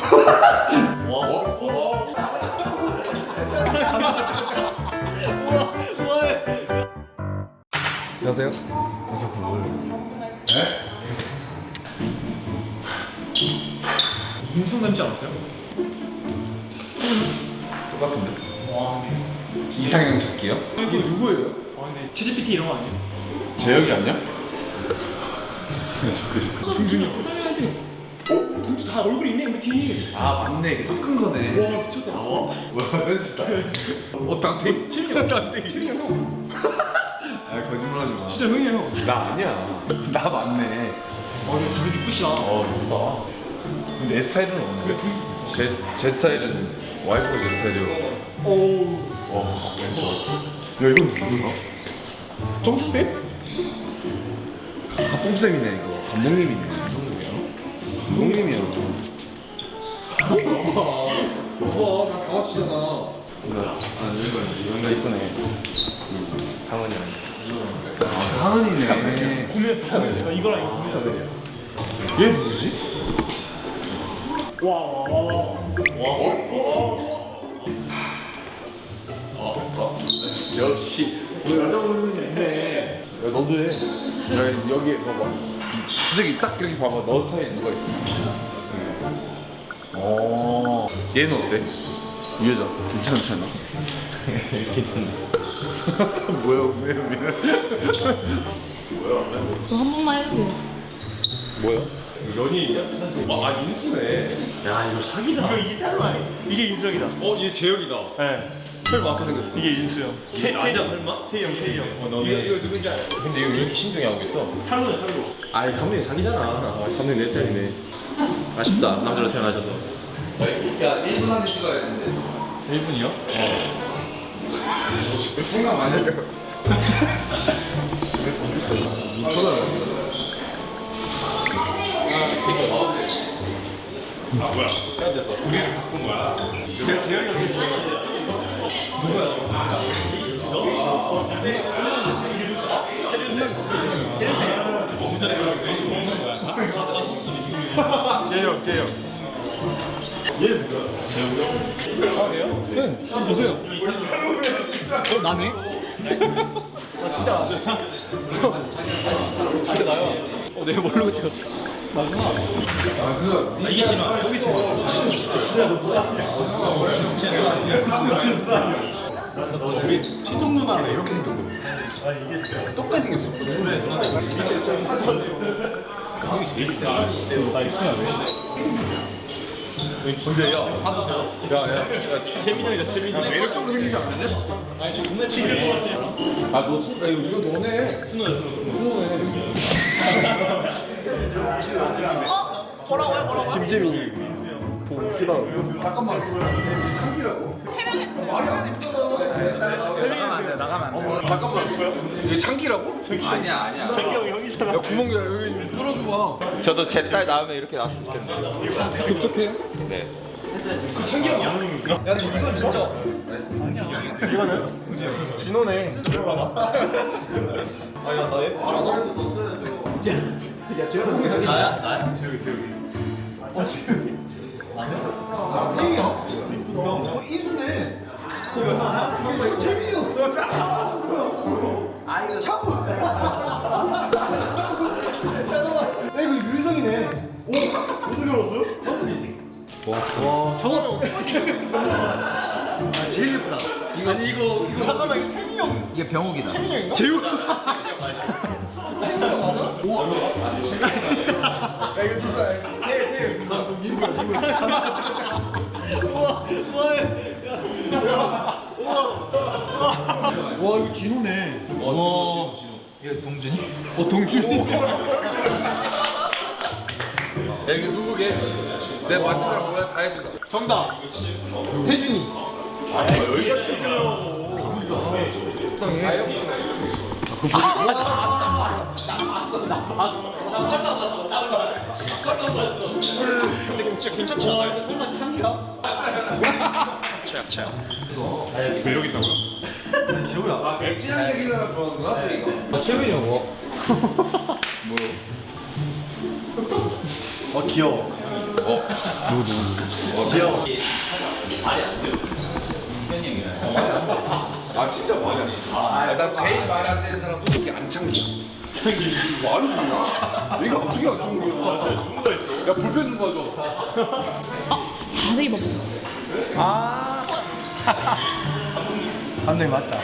안녕하세요. 버섯도 먹을래. 네? 인수 닮지 않았어요? 똑같은데? 와. 이상형 찾기요? 이게 누구예요? 아 근데 채찌PT 이런 거 아니에요? 재혁이 아니야? 동준이 형. 동준 다 얼굴 있네 우리 팀. 아 맞네. 이게 섞은 거네. 와 미쳤다. 뭐야 센스다. 땅탱? 채민이 형. 채민이 형. 아 거짓말하지 마. 진짜 형이에요. 나 아니야. 나 맞네. 근데 둘이 이쁘시다. 예쁘다. 근데 내 스타일은 없는데. 제 스타일은 와이프가 제 스타일이요. 오. 와 왼쪽. 야 이건 누구야? 정수쌤? 뽕쌤이네 이거. 감독님이네. 감독님이야. 봐봐 나 강아지잖아. 여기가 이쁘네. 상은이 형. 하은이네. 고민했어. 나 이거랑 이거 고민했어. 얘 누구지? 역시 여자 얼굴이 있네. 야 너도 해. 야 여기 봐봐. 솔직히 딱 이렇게 봐봐. 너 스타일 누가 있어? 어. 얘는 어때? 이 여자 괜찮지 않아? 괜찮네. 뭐야 우세현이는? 그거 한 번만 해주세요. 뭐야? 연예인이야? 아 인수네. 야 이거 사기다. 이거 이게 따로 아니? 이게 인수형이다. 얘 재혁이다. 네. 설마 아까 생겼어? 이게 인수 형. 아니야 설마? 태희 형. 이거 누군지 알아? 근데 이거 왜 이렇게 신중히 하고 있어? 탈로네 탈로. 아이 감독님 자기잖아. 감독님 내 스타일이네. 아쉽다 남자로 태어나셔서. 야 1분 안에 찍어야 되는데. 1분이요? 생각 많이 해요. 재현이 형이 재영. 얘 누구야? 재영이요? 아 그래요? 네. 한번 보세요. 나네? 진짜 나야. 내가 모르고 찍었어. 나구나. 이게 진화. 여기 진화. 우리 친정 누나랑 이렇게 생겼거든. 아 이게 진짜 똑같이 생겼어. 형이 제일 이쁘다. 나 이쁘냐 왜? 근데 야, 재민이 형이다 재민이 형. 매력적으로 생기지 않았냐? 아니 저 겁나 튀길 것 같아. 아너 이거 너네. 순호야. 뭐라고요? 김재민이. 잠깐만. 잠깐만. 이게 창기라고? 아니야. 재기 형이 형이잖아. 야 구멍 여기 뚫어줘봐. 저도 제 딸 나오면 이렇게 나왔으면 좋겠네요. 흡족해요? 네. 창기 형이 양형입니까? 야 근데 이건 진짜. 이거는? 진호네. 아야 나 예쁘지 않아? 너 써야 돼. 야 재혁이 나야? 재혁이. 나야? 형, 이수네. 이거 재민이 형. 아 이거 참고. 잠깐만. 야 이거 유성이네. 오, 어떻게 알았어? 와 장원. 아 제일 예쁘다. 이거 잠깐만 이거 채민이 형. 이게 병욱이다. 채민이 형인가? 재우. 채민이 형 맞아? 우와. 야 이거 누가? 태. 나 민구야. 우와, 뭐해? 와 이거 진호네. 와. 이거 동준이? 동준이. 야 이거 누구게? 내 맞은 사람 뭐야 다 해준다. 정답. 태준이. 여기가 태준이라고. 적당해. 근데 진짜 괜찮지 않아요? 설마 창기가? 최악. 매력 있다고요? 재호야. 진한 얘기가 좋아하는구나. 이거. 최민이 형 뭐? 아 귀여워. 아 진짜 말이 안 돼. 나 제일 말 안 되는 사람 솔직히 안창기야. 창기 말이 뭐야? 얘가 어떻게 안창기야? 누군가 있어. 야 불펜 좀 가져. 자세히 봐보세요. 감독님 맞다.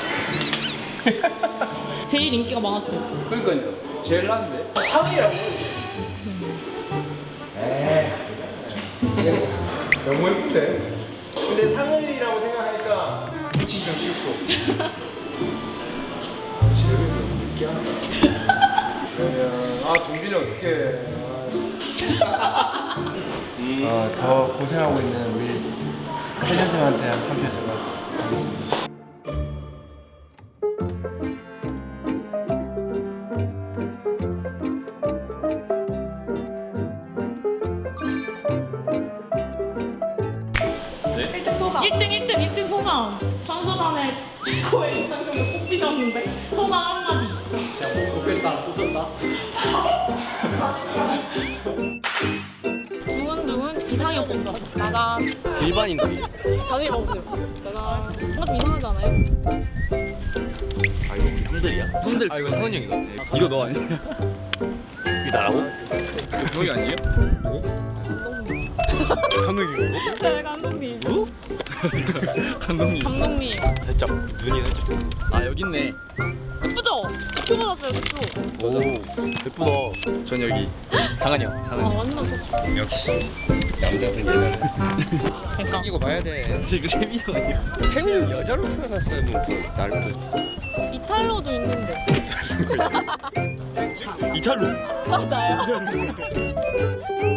제일 인기가 많았어요. 그러니까요. 제일 난데. 3위라고. 너무 예쁜데. 근데 상은이라고 생각하니까 붙이기 좀 쉽고. 아 동빈이 어떡해. 더 고생하고 있는 우리 해주님한테 한표 들어가겠습니다. 소감. 1등 소감. 선수단의 최고의 이상형을 뽑히셨는데 소감 한마디. 뽑힐 사람 뽑혔다. 두근두근 이상형 뽑다. 짜잔. 일반인들이. 자세히 봐보세요. 짜잔. 뭔가 좀 이상하지 않아요? 아 이거 우리 형들이야. 형들. 아 이거 성훈이 형이다. 이거 너 아니야? 이거 나라고? 형이 아니에요? 감독님. 네, 감독님. 누구? 감독님. 감독님. 살짝 눈이 살짝 좀. 아 여기 있네. 예쁘죠? 예쁘 받았어요, 예쁘. 오 예쁘다. 전 여기 상한이 형. 아, 상한이. 완전 좋다. 역시 남자든 여자든 그러니까. 생기고 봐야 돼. 이거 세민이 형 아니야? 생일은 여자로 태어났으면 더 나을 듯. 이탈로도 있는데. 이탈로. 맞아요.